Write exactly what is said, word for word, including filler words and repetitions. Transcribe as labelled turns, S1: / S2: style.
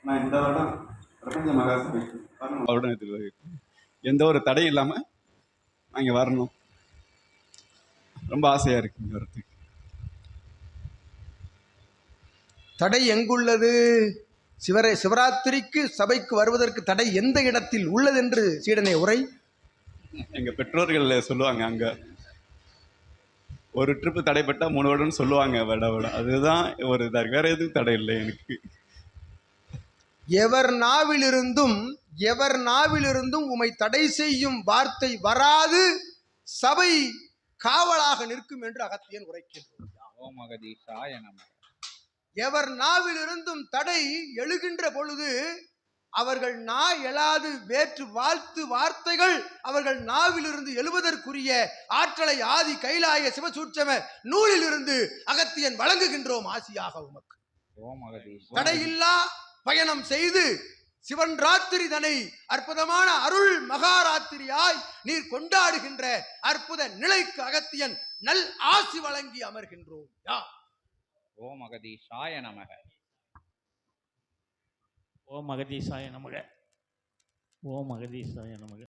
S1: நான் இந்த வருடம் பிரபஞ்ச மகாசபைக்கு வருடம் எந்த ஒரு தடையும் இல்லாமல் நான் இங்கே வரணும். ரொம்ப ஆசையாக இருக்கு இங்கே வரத்துக்கு.
S2: தடை எங்குள்ளது? சிவரை சிவராத்திரிக்கு சபைக்கு வருவதற்கு தடை எந்த இடத்தில் உள்ளது என்று சீடனை உரை.
S1: எங்க பெற்றோர்கள் சொல்லுவாங்க, அங்க ஒரு ட்ரிப்பு தடைப்பட்டா மூணு வருடம்னு சொல்லுவாங்க. விட விட அதுதான் ஒரு இதாக, வேற எதுவும் தடை இல்லை எனக்கு.
S2: எவர் நாவிலிருந்தும் எவர் நாவிலிருந்தும் உமை தடை செய்யும் வார்த்தை வராது, சபை காவலாக நிற்கும் என்று அகத்தியன் உரைக்கின்றார். எவர் நாவிலிருந்தும் தடை எழுகின்ற பொழுது அவர்கள் நா எழாது வேற்று வாழ்த்து வார்த்தைகள் அவர்கள் நாவிலிருந்து எழுவதற்குரிய ஆற்றலை ஆதி கைலாய சிவசூட்சம நூலில் இருந்து அகத்தியன் வழங்குகின்றோம் ஆசியாக உமக்கு. தடையில்லா பயணம் செய்து சிவன் ராத்திரி தனை அற்புதமான அருள் மகாராத்திரியாய் நீர் கொண்டாடுகின்ற அற்புத நிலைக்கு அகத்தியன் நல் ஆசி வழங்கி அமர்கின்றோம். யா
S3: ஓம் அகதீஷாய நமக.
S4: ஓம் அகதீஷாய நமக. ஓம் அகதீஷாய நமக.